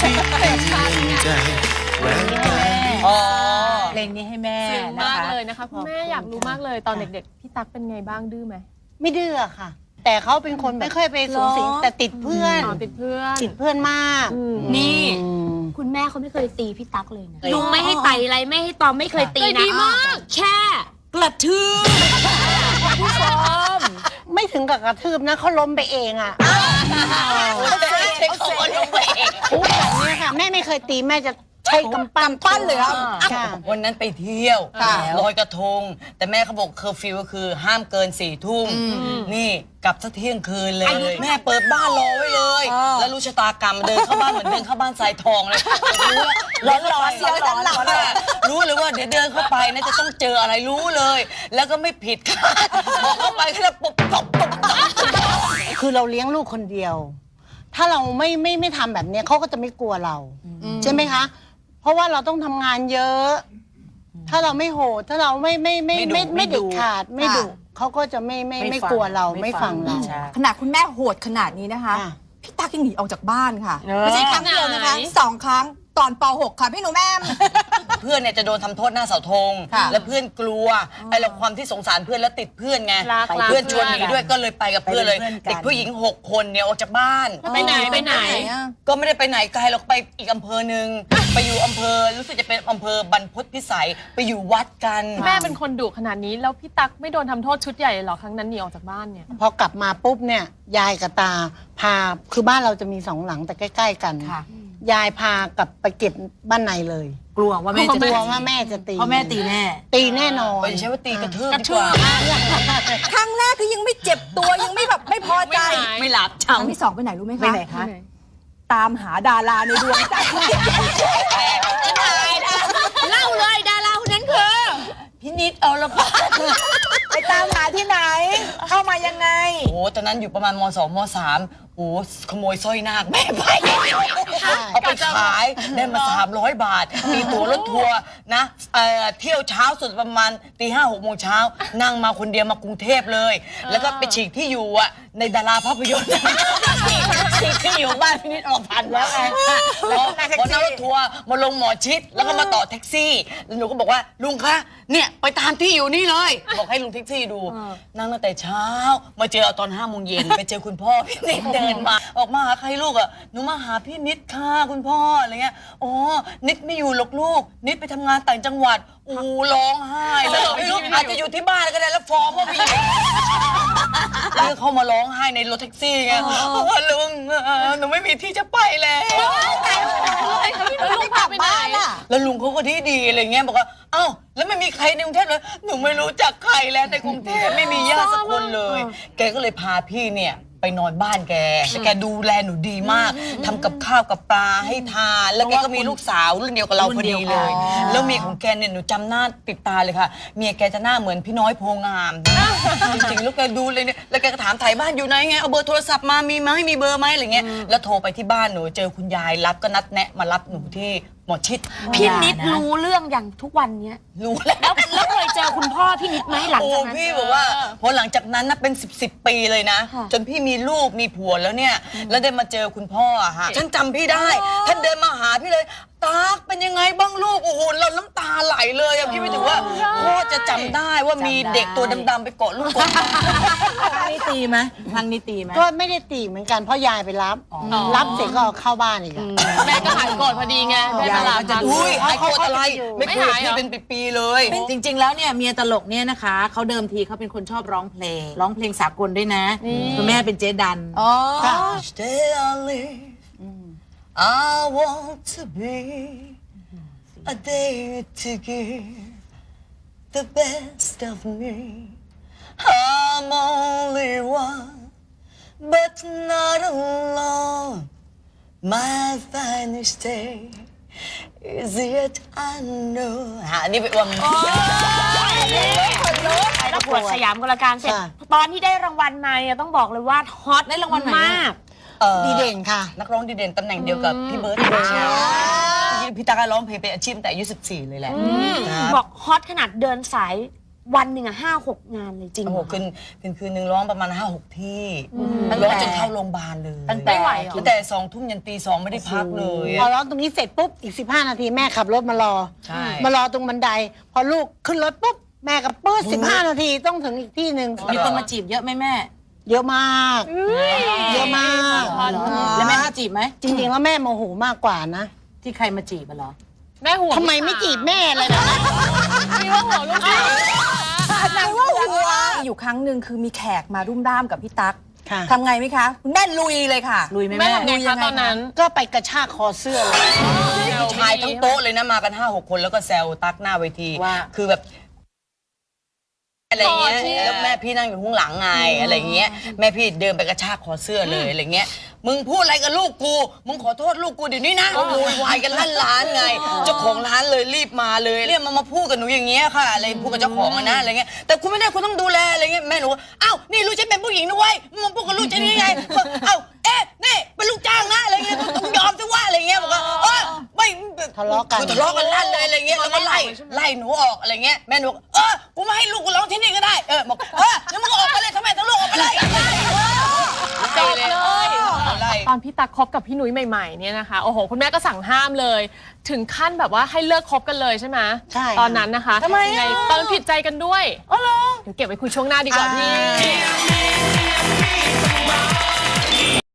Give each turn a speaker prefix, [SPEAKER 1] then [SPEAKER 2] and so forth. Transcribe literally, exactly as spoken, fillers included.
[SPEAKER 1] เพลงนี้ให้แม่มากเลยนะคะคุณแม่อยากรู้มากเลยตอนเด็กๆพี่ตั๊กเป็นไงบ้างดื้อไหม
[SPEAKER 2] ไม่ดื้อค่ะแต่เขาเป็นคนไม่ค่อยไปสูงสิงแต่ติดเพื่อน
[SPEAKER 1] ติดเพื่อน
[SPEAKER 2] ติดเพื่อนมาก
[SPEAKER 3] นี่คุณแม่เขาไม่เคยตีพี่ตั๊กเลยนะลุงไม่ให้ไต่อะไรไม่ให้ตอมไม่เคยตีนะ
[SPEAKER 1] ดีมาก
[SPEAKER 3] แค่กระทืบ
[SPEAKER 1] ผู้ชม
[SPEAKER 2] ไม่ถึงกับกระทืบนะเขาล้มไปเองอ่ะ
[SPEAKER 3] เขาล้มไปเอง
[SPEAKER 2] พูดแบบนี้ค่ะแม่ไม่เคยตีแม่จะใช้กำปั้น
[SPEAKER 4] ปั้นเลยครับ
[SPEAKER 5] วันนั้นไปเที่ยวลอยกระทงแต่แม่เขาบอกเคอร์ฟิวก็คือห้ามเกินสี่ทุ่มนี่กลับสักเที่ยงคืนเลยแม่เปิดบ้านรอไว้เลยแล้วรู้ชะตากรรมเดินเข้าบ้านเหมือนเดินเข้าบ้านทรายทองเลยรู้ร้อนร้อนเสียร้อนร้อนรู้เลยว่าเดี๋ยวเดินเข้าไปนะจะต้องเจออะไรรู้เลยแล้วก็ไม่ผิดค่ะเข้าไปแค่ปุ๊บตบตบ
[SPEAKER 2] คือเราเลี้ยงลูกคนเดียวถ้าเราไม่ไม่ไม่ทำแบบนี้เขาก็จะไม่กลัวเราใช่ไหมคะเพราะว่าเราต้องทำงานเยอะถ้าเราไม่โหดถ้าเราไม่ไม่ไม่ไม่ไม่เด็ดขาดไม่ดุเขาก็จะไม่ไม่ไม่กลัวเราไม่ฟังเรา
[SPEAKER 4] ขนาดคุณแม่โหดขนาดนี้นะคะพี่ตั๊กยังหนีออกจากบ้านค่ะไม่ใช่ครั้งเดียวนะคะสองครั้งตอนป หก ค่ะพี่หนูแม่
[SPEAKER 5] เพื่อนเนี่ยจะโดนทำโทษหน้าเสาธงแล้วเพื่อนกลัวไอ้เราความที่สงสารเพื่อนแล้วติดเพื่อนไงเพื่อนชวนหนีด้วยก็เลยไปกับเพื่อนเลยเด็กผู้หญิงหกคนเนี่ยออกจากบ้าน
[SPEAKER 1] ไปไหนไปไหน
[SPEAKER 5] ก็ไม่ได้ไปไหนไกลเราไปอีกอำเภอหนึ่งไปอยู่อำเภอรู้สึกจะเป็นอำเภอบรรพตพิสัยไปอยู่วัดกัน
[SPEAKER 1] แม่เป็นคนดุขนาดนี้แล้วพี่ตั๊กไม่โดนทำโทษชุดใหญ่หรอครั้งนั้นหนีออกจากบ้านเนี่ย
[SPEAKER 2] พอกลับมาปุ๊บเนี่ยยายกับตาพาคือบ้านเราจะมีสองหลังแต่ใกล้ๆกันยายพากลับไปเก็บบ้านในเลย
[SPEAKER 4] กลัวว่าแม่จะ
[SPEAKER 2] กลัวว่าแม่จะตี
[SPEAKER 4] เพราะแม่ตีแน่
[SPEAKER 2] ตีแน่นอน
[SPEAKER 5] ไม่ใช่ว่าตีกระทืบดีกว่า
[SPEAKER 4] ครั้งแรกคือยังไม่เจ็บตัวยังไม่แบบไม่พอใจ
[SPEAKER 5] ไม่หลับ
[SPEAKER 4] ครั้งที่สองไปไหนรู้ไหมคะไปไหนคะตามหาดาราในดวงใจ
[SPEAKER 3] เล่าเลยดาราคนนั้นคือ
[SPEAKER 5] พี่นิดเอาละพ
[SPEAKER 4] ไปตามหาที่ไหนเข้ามายังไง
[SPEAKER 5] โอ้ตอนนั้นอยู่ประมาณมสองมสามโอ้ขโมยสร้อยนาคแม่ไปเอาไปขายได้มาสามร้อยบาทมีตั๋วรถทัวร์นะเที่ยวเช้าสุดประมาณตีห้าหกโมงเช้านั่งมาคนเดียวมากรุงเทพเลยแล้วก็ไปฉีกที่อยู่อ่ะในดาราภาพยนตร์ฉีกที่อยู่บ้านพี่นิดออกพันแล้วไงแล้วพอนั่งรถทัวร์มาลงหมอชิดแล้วก็มาต่อแท็กซี่แล้วหนูก็บอกว่าลุงคะเนี่ยไปตามที่อยู่นี่เลยบอกให้ลุงแท็กซี่ดูนั่งตั้งแต่เช้ามาเจอตอนห้าโมงเย็นไปเจอคุณพ่อพี่นิดเดินมาออกมาหาใครลูกอ่ะหนูมาหาพี่นิดค่ะคุณพ่ออะไรเงี้ยอ๋อนิดไม่อยู่หรอกลูกนิดไปทำงานต่างจังหวัดอู้ร้องไห้เลยไม่รู้อาจจะอยู่ที่บ้านก็ได้แล้วฟ้องว่าพี่แล้วเขามาร้องไห้ในรถแท็กซี่ไงลุงหนูไม่มีที่จะไปแล้ว
[SPEAKER 1] ลุงพาไปไหน
[SPEAKER 5] แล้วลุงเขาก็ดีดีอะไรเงี้ยบอกว่าเอ้าแล้วไม่มีใครในกรุงเทพเลยหนูไม่รู้จักใครแล้วในกรุงเทพไม่มีญาติสักคนเลยแกก็เลยพาพี่เนี่ยไปนอนบ้านแกแต่แกดูแลหนูดีมากทำกับข้าวกับปลาให้ทานแล้วแกก็มีลูกสาวรุ่นเดียวกับเราพอดีเลยแล้วเมียของแกเนี่ยหนูจำหน้าติดตาเลยค่ะเมียแกจะหน้าเหมือนพี่น้อยโพงามจริงๆแล้วแกดูเลยเนี่ยแล้วแกก็ถามถ่ายบ้านอยู่ไหนไงเอาเบอร์โทรศัพท์มามีไหมมีเบอร์ไหมอะไรเงี้ยแล้วโทรไปที่บ้านหนูเจอคุณยายรับก็นัดแนะมารับหนูที่หมอชิด
[SPEAKER 3] พี่นิดรู้เรื่องอย่างทุกวันเนี้ย
[SPEAKER 5] รู้แล้ว
[SPEAKER 3] แล้วเคยเจอคุณพ่อพี่นิดไหมหลังจากนั้น
[SPEAKER 5] โอ้พี่บอกว่าพอหลังจากนั้นนะเป็นสิบสิบปีเลยนะจนพี่มีลูกมีผัวแล้วเนี่ยแล้วได้มาเจอคุณพ่ออะฮะฉันจำพี่ได้ท่านเดินมาหาพี่เลยตั๊กเป็นยังไงบ้างลูกโอ้โหเราน้ำตาไหลเลยอะพี่ไม่ถึงว่าพ่อจะจำได้ว่ามีเด็กตัวดำๆไปเกาะลูกคน
[SPEAKER 4] ทางนี้ตีไหมทางนี้ตีไหม
[SPEAKER 2] ก็ไม่ได้ตีเหมือนกันเพราะยายไปรับรับเสร็จก็เข้าบ้านอีก
[SPEAKER 1] แม่ก็หายโกรธพอดีไงแม่ตลาดจะ
[SPEAKER 5] อุ้ยหายโกรธอะไรไม่เคยพี่เป็นปีๆเลย
[SPEAKER 4] จริงๆแล้วเนี่ยเมียตลกเนี่ยนะคะเขาเดิมทีเขาเป็นคนชอบร้องเพลงร้องเพลงสากลด้วยนะคุณแม่เป็นเจ๊ดันอ๋อ
[SPEAKER 5] I want to be a day to give the best of me. I'm only one, but not alone. My finest day is yet unknown. ฮะนี่เป็นวง
[SPEAKER 3] ประกวดสยามกลการเสร็จตอนที่ได้รางวัลมาต้องบอกเลยว่าฮอตได้รางวัลมาก
[SPEAKER 2] ดีเด่นค่ะ
[SPEAKER 5] นักร้องดีเด่นตำแหน่งเดียวกับพี่เบิร์ดพี่ตั๊กร้องเพลงเป็นอาชีพแต่อายุสิบสี่เลยแหละ
[SPEAKER 3] บอกฮอตขนาดเดินสายวันหนึ่งอะห้าหกงานเลยจริง
[SPEAKER 5] โอ้
[SPEAKER 3] เห
[SPEAKER 5] โห
[SPEAKER 3] รอ
[SPEAKER 5] คืนคืนคืนหนึ่งร้องประมาณห้าหกที่
[SPEAKER 4] ตั้ง
[SPEAKER 5] ร้อง
[SPEAKER 4] แต่
[SPEAKER 5] จนเข้าโรงพยาบาลเลย
[SPEAKER 4] ตั้งแต่
[SPEAKER 1] ไม่ไหวเหรอ
[SPEAKER 5] ตั้งแต่สองทุ่มยันตีสองไม่ได้พักเลย
[SPEAKER 2] พอ
[SPEAKER 5] อะ
[SPEAKER 2] ร้องตรงนี้เสร็จปุ๊บอีกสิบห้านาทีแม่ขับรถมารอ
[SPEAKER 5] ใช่
[SPEAKER 2] มารอตรงบันได พอลูกขึ้นรถปุ๊บแม่กับปื้ดสิบห้านาทีต้องถึงอีกที่หนึ่ง
[SPEAKER 6] มีคนมาจีบเยอะไหมแม่
[SPEAKER 2] เยอะมาก เยอะมาก
[SPEAKER 6] แล้วแม่มาจีบไหม
[SPEAKER 2] จริงๆแล้วแม่โมโหมากกว่านะ
[SPEAKER 6] ที่ใครมาจีบอะเหรอ
[SPEAKER 1] แม่ห่วง
[SPEAKER 2] ทำไมไม่จีบแม่เลยนะ
[SPEAKER 1] มีว่าห่วงลูกสาว
[SPEAKER 4] นางว่าหัวอยู่ครั้งหนึ่งคือมีแขกมารุ่มร่ามกับพี่ตั๊ก
[SPEAKER 2] ค่ะ
[SPEAKER 4] ทำไงไหมคะคุณแม่ลุยเลยค่ะ
[SPEAKER 6] ลุยไหม
[SPEAKER 1] แม่
[SPEAKER 6] แม่
[SPEAKER 1] ทำไงคะตอนนั้น
[SPEAKER 2] ก็ไปกระชากคอเสื้อเลย
[SPEAKER 5] ผู้ชายทั้งโต๊ะเลยนะมากันห้าหกคนแล้วก็แซวตักหน้าเวที
[SPEAKER 6] ว่า
[SPEAKER 5] คือแบบอะไรเงี้ย
[SPEAKER 1] คอที่
[SPEAKER 5] แล้วแม่พี่นั่งอยู่ข้างหลังไงอะไรเงี้ยแม่พี่เดินไปกระชากคอเสื้อเลยอะไรเงี้ยมึงพูดอะไรกับลูกกูมึงขอโทษลูกกูเดี๋ยวนี้นะโวยวายกันลั่นร้านไงเจ้าของร้านเลยรีบมาเลยเรียกมามาพูดกับหนูอย่างเงี้ยค่ะอะไรพูดกับเจ้าของอะนะอะไรเงี้ยแต่คุณไม่ได้คุณต้องดูแลอะไรเงี้ยแม่หนูอ้าวนี่ลูกฉันเป็นผู้หญิงนะเว้ยมึงมาพูดกับลูกฉันยังไงเอ้าเอ๊ะนี่เป็นลูกจ้างนะอะไรเงี้ยต้องยอมสิว่าอะไรเงี้ยบอกว่าเออไม่
[SPEAKER 2] ทะเลาะกัน
[SPEAKER 5] คือทะเลาะกันลั่นเลยอะไรเงี้ยแล้วก็ไล่ไล่หนูออกอะไรเงี้ยแม่หนูเออกูไม่ให้ลูกกูร้องที่นี่ก็ได้เออบอกเออแล้วมึงก็ออกไปเลยทำไมทั้งลูกออกไปเลย
[SPEAKER 1] จบเลย
[SPEAKER 5] ไล่
[SPEAKER 1] ตอนพี่ตั๊กคบกับพี่หนุ่ยใหม่ๆเนี่ยนะคะโอ้โหคุณแม่ก็สั่งห้ามเลย ถึงขั้นแบบว่าให้เลิกคบกันเลยใช่ไหม
[SPEAKER 2] ใช่
[SPEAKER 1] ตอนนั้นนะคะ
[SPEAKER 4] ทำไมอะ
[SPEAKER 1] ยังงตอนนั้นผิดใจกันด้วยอ๋อเหรอเดี๋ยวเก็บไว้คุยช่วงหน้าดีกว่าพี่